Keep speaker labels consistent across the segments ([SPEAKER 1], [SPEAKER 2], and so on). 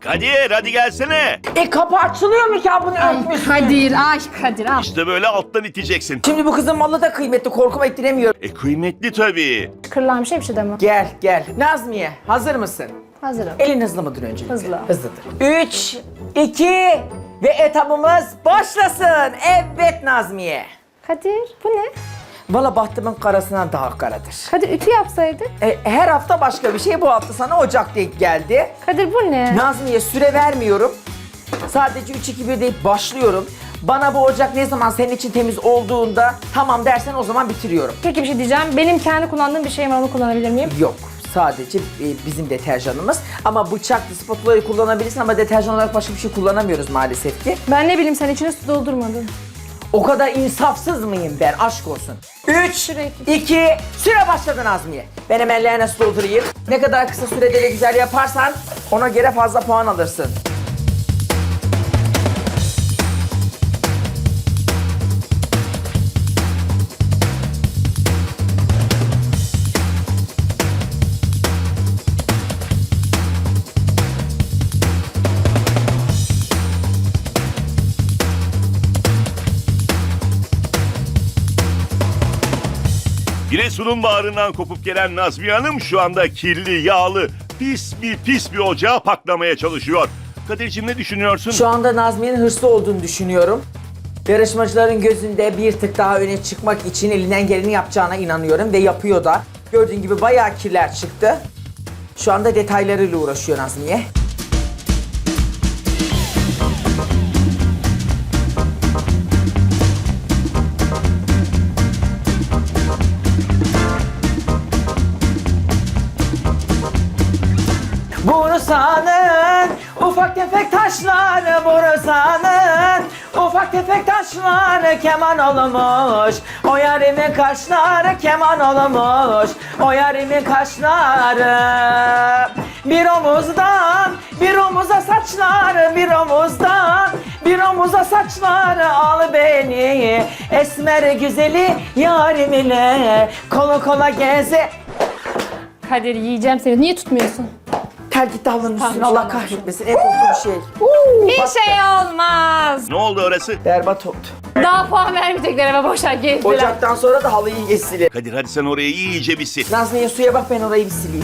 [SPEAKER 1] Kadir hadi gelsene.
[SPEAKER 2] Kapı açılıyor mu ki bunu örtmüşsün?
[SPEAKER 3] Kadir.
[SPEAKER 1] İşte böyle alttan iteceksin.
[SPEAKER 2] Şimdi bu kızın malı da kıymetli, korkuma ettiremiyorum.
[SPEAKER 1] Kıymetli tabii.
[SPEAKER 3] Kırılan bir şey deme.
[SPEAKER 2] Gel. Nazmiye, hazır mısın?
[SPEAKER 3] Hazırım.
[SPEAKER 2] Elin hızlı mıdır önce?
[SPEAKER 3] Hızlı.
[SPEAKER 2] Hızlıdır. 3, 2 ve etabımız başlasın. Evet Nazmiye.
[SPEAKER 3] Kadir bu ne?
[SPEAKER 2] Valla bahtımın karasından daha karadır.
[SPEAKER 3] Kadir ütü yapsaydık.
[SPEAKER 2] Her hafta başka bir şey. Bu hafta sana Ocak denk geldi.
[SPEAKER 3] Kadir bu ne?
[SPEAKER 2] Nazmiye süre vermiyorum. Sadece 3-2-1 deyip başlıyorum. Bana bu Ocak ne zaman senin için temiz olduğunda tamam dersen o zaman bitiriyorum.
[SPEAKER 3] Peki bir şey diyeceğim. Benim kendi kullandığım bir şeyim var, onu kullanabilir miyim?
[SPEAKER 2] Yok. Sadece bizim deterjanımız. Ama bıçaklı spatulayı kullanabilirsin ama deterjan olarak başka bir şey kullanamıyoruz maalesef ki.
[SPEAKER 3] Ben ne bileyim, sen içine su doldurmadın.
[SPEAKER 2] O kadar insafsız mıyım ben? Aşk olsun. 3,
[SPEAKER 3] Sürekli.
[SPEAKER 2] 2, süre başladı Nazmiye. Ben hemen leğene su doldurayım. Ne kadar kısa sürede de güzel yaparsan ona göre fazla puan alırsın.
[SPEAKER 1] Giresun'un bağrından kopup gelen Nazmiye Hanım şu anda kirli, yağlı, pis bir ocağı paklamaya çalışıyor. Kadir'cim ne düşünüyorsun?
[SPEAKER 2] Şu anda Nazmiye'nin hırslı olduğunu düşünüyorum. Yarışmacıların gözünde bir tık daha öne çıkmak için elinden geleni yapacağına inanıyorum ve yapıyor da. Gördüğün gibi bayağı kirler çıktı. Şu anda detaylarıyla uğraşıyor Nazmiye. Bursa'nın ufak tefek taşları, Bursa'nın ufak tefek taşları keman olmuş. O yarimin kaşları keman olmuş. O yarimin kaşları bir omuzdan bir omuza saçları, bir omuzdan bir omuza saçları, al beni esmer güzeli yarim ile kolu kola geze.
[SPEAKER 3] Kadir yiyeceğim seni. Niye tutmuyorsun?
[SPEAKER 2] Ter gitti halının üstüne,
[SPEAKER 3] Tamam,
[SPEAKER 2] Allah
[SPEAKER 3] tamam.
[SPEAKER 2] kahretmesin. En korktuğum şey.
[SPEAKER 3] Bir şey olmaz.
[SPEAKER 1] Ne oldu orası?
[SPEAKER 2] Berbat oldu.
[SPEAKER 3] Daha puan vermeyecekler eve, boşver gezdiler.
[SPEAKER 2] Ocaktan sonra da halıyı geçsiler.
[SPEAKER 1] Kadir hadi sen orayı iyice bir sil.
[SPEAKER 2] Nazmiye suya bak, ben orayı bir sileyim.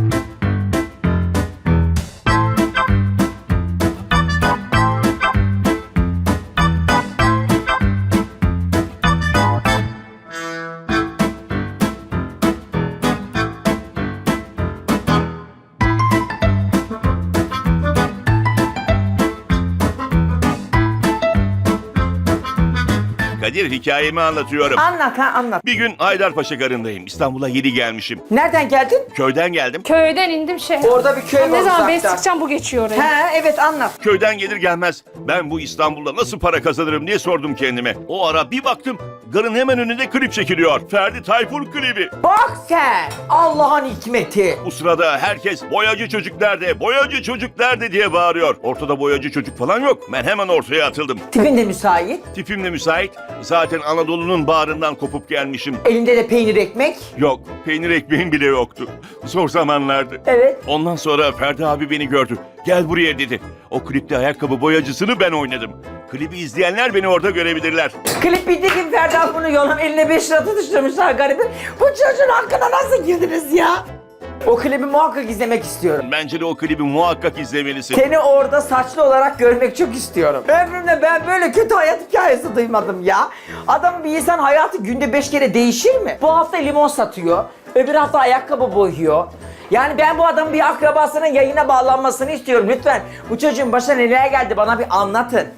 [SPEAKER 1] Kadir hikayemi anlatıyorum.
[SPEAKER 2] Anlat.
[SPEAKER 1] Bir gün Haydarpaşa garındayım. İstanbul'a yeni gelmişim.
[SPEAKER 2] Nereden geldin?
[SPEAKER 1] Köyden geldim.
[SPEAKER 3] Köyden indim
[SPEAKER 2] Orada bir köy var
[SPEAKER 3] Ne zaman ben
[SPEAKER 2] uzakta.
[SPEAKER 3] sıkacağım, bu geçiyor oraya.
[SPEAKER 2] He evet, anlat.
[SPEAKER 1] Köyden gelir gelmez ben bu İstanbul'da nasıl para kazanırım diye sordum kendime. O ara bir baktım garın hemen önünde klip çekiliyor. Ferdi Tayfur klibi.
[SPEAKER 2] Bak sen, Allah'ın hikmeti.
[SPEAKER 1] Bu sırada herkes boyacı çocuk nerede, boyacı çocuk nerede diye bağırıyor. Ortada boyacı çocuk falan yok. Ben hemen ortaya atıldım.
[SPEAKER 2] Tipin de müsait.
[SPEAKER 1] Tipim de müsait. Zaten Anadolu'nun bağrından kopup gelmişim.
[SPEAKER 2] Elinde de peynir ekmek.
[SPEAKER 1] Yok, peynir ekmeğim bile yoktu. Zor zamanlardı.
[SPEAKER 2] Evet.
[SPEAKER 1] Ondan sonra Ferdi abi beni gördü. Gel buraya dedi. O klipte ayakkabı boyacısını ben oynadım. Klibi izleyenler beni orada görebilirler.
[SPEAKER 2] Klip bitti gibi Ferdi abi bunu yolan eline 5 lira tutuşturmuşlar garibin. Bu çocuğun hakkına nasıl girdiniz ya? O klibi muhakkak izlemek istiyorum.
[SPEAKER 1] Bence de o klibi muhakkak izlemelisin.
[SPEAKER 2] Seni orada saçlı olarak görmek çok istiyorum. Ömrümde ben böyle kötü hayat hikayesi duymadım ya. Adam, bir insan hayatı günde 5 kere değişir mi? Bu hafta limon satıyor, öbür hafta ayakkabı boyuyor. Yani ben bu adamın bir akrabasının yayına bağlanmasını istiyorum lütfen. Bu çocuğun başına neler geldi bana bir anlatın.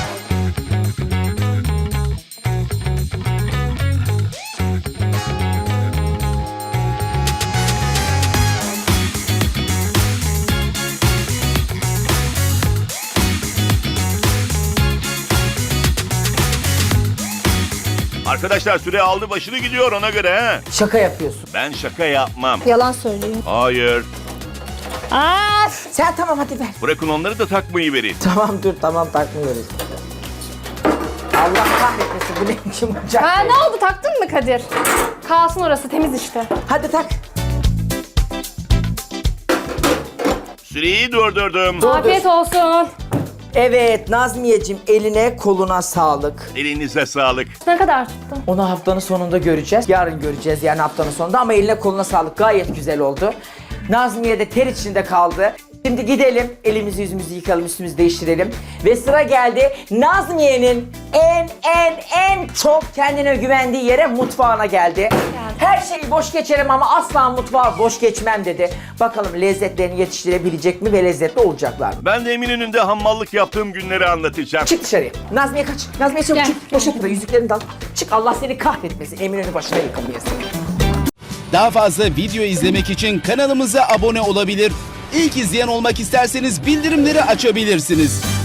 [SPEAKER 1] Arkadaşlar süre aldı başını gidiyor ona göre ha.
[SPEAKER 2] Şaka yapıyorsun.
[SPEAKER 1] Ben şaka yapmam.
[SPEAKER 3] Yalan söyleyeyim.
[SPEAKER 1] Hayır.
[SPEAKER 2] Sen tamam hadi ver.
[SPEAKER 1] Bırakın onları da takmayı verin.
[SPEAKER 2] Tamam takmıyoruz. Allah kahretmesin, bu ne biçim ocak?
[SPEAKER 3] Ha, ne oldu, taktın mı Kadir? Kalsın orası, temiz işte.
[SPEAKER 2] Hadi tak.
[SPEAKER 1] Süreyi durdurdum.
[SPEAKER 3] Afiyet olsun.
[SPEAKER 2] Evet Nazmiyeciğim, eline koluna sağlık.
[SPEAKER 1] Elinize sağlık.
[SPEAKER 3] Ne kadar tuttu?
[SPEAKER 2] Onu haftanın sonunda göreceğiz. Yarın göreceğiz yani haftanın sonunda, ama eline koluna sağlık, gayet güzel oldu. Nazmiye de ter içinde kaldı. Şimdi gidelim, elimizi yüzümüzü yıkalım, üstümüzü değiştirelim. Ve sıra geldi Nazmiye'nin en çok kendine güvendiği yere, mutfağına geldi. Her şeyi boş geçerim ama asla mutfağı boş geçmem dedi. Bakalım lezzetlerini yetiştirebilecek mi ve lezzetli olacaklar mı?
[SPEAKER 1] Ben de Eminönü'nde hammallık yaptığım günleri anlatacağım.
[SPEAKER 2] Çık dışarıya. Nazmiye kaç. Nazmiye çabuk
[SPEAKER 3] Gel,
[SPEAKER 2] çık. Boşalt da yüzüklerini de al. Çık, Allah seni kahretmesin. Eminönü başına yıkamayasın.
[SPEAKER 4] Daha fazla video izlemek için kanalımıza abone olabilir. İlk izleyen olmak isterseniz bildirimleri açabilirsiniz.